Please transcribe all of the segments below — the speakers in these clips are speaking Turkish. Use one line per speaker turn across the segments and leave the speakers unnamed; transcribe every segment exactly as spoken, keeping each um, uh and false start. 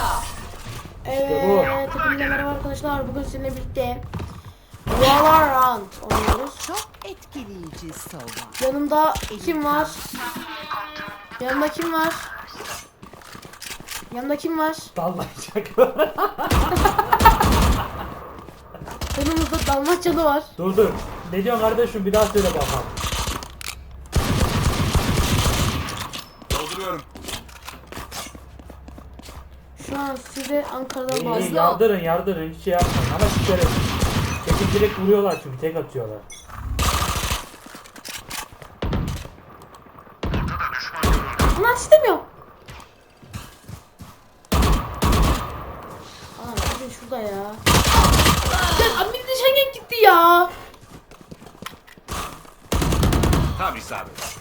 Evet, hepinize merhaba arkadaşlar. Bugün sizinle birlikte Valorant oynuyoruz.
Çok etkileyici Sova.
Yanımda kim var? Yanımda kim var? Yanımda kim var?
Dalmayacak.
Yanımızda Dalmaçyalı var.
Dur dur. Ne diyorsun kardeşim, bir daha söyle bakalım.
Dolduruyorum.
Şu an size Ankara'dan
İyi, iyi,
bağlı.
yardırın yardırın, hiç şey yapmayın ama sikerim. Çekip direkt vuruyorlar çünkü tek atıyorlar.
Ulan istemiyorum. Aa, bakın şurada ya. Ya abi de Schengen gitti ya.
Tam isabet.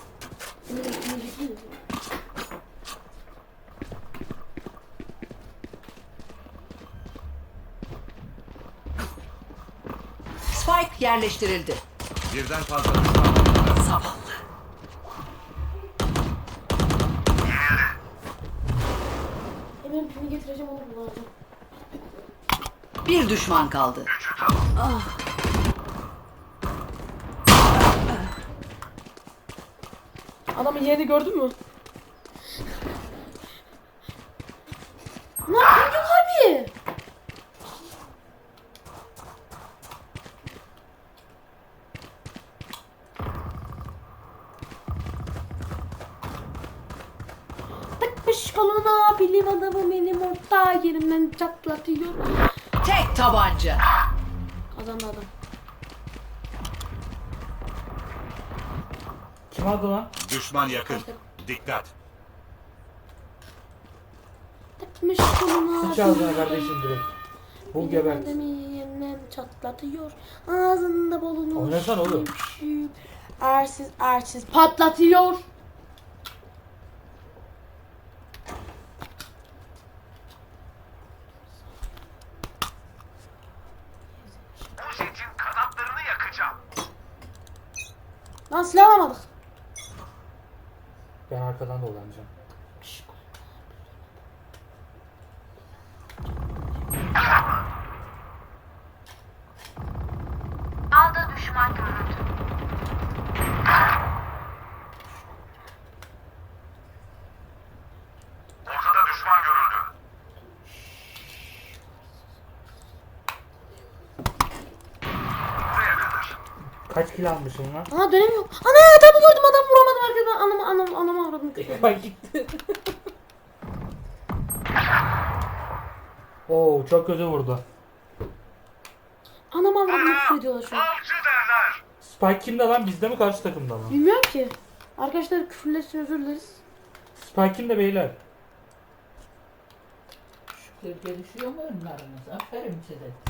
Spike yerleştirildi.
Birden fazla düşman var.
Zavallı.
Hemen pimi getireceğim, onu kullanacağım.
Bir düşman kaldı.
Adamın yerini gördün mü? Ne yapıyorsun abi? Takmış koluna bilim adamı benim orta yerimden çatlatıyor.
Tek tabanca.
Kazandı adam.
Kim aldı lan?
Düşman yakın. Dikkat.
Takmış koluna
Sıç ağzına kardeşim direkt. Bu
bilim
gebert.
adamı yerimden çatlatıyor. Ağzında bulunur.
Oynasana oğlum.
Ersiz ersiz patlatıyor.
Bu jetin kanatlarını yakacağım.
Lan silah alamadık.
Ben arkadan dolanacağım.
A'da düşman görüldü.
Ortada düşman görüldü. Buraya kadar.
Kaç kill almışım lan?
Ana dönemiyorum. Ana adamı gördüm, adam vuramadım arkadan. Anama anam anama avradım.
Bak gitti. Oo, çok kötü vurdu.
Anama avradım küfür ediyorlar şu an.
Avcı derler.
Spike kimde lan? Bizde mi, karşı takımda mı?
Bilmiyorum ki. Arkadaşlar küfürler için özür dileriz.
Spike kimde beyler?
Şükür gelişiyor mu önleriniz? Aferin size.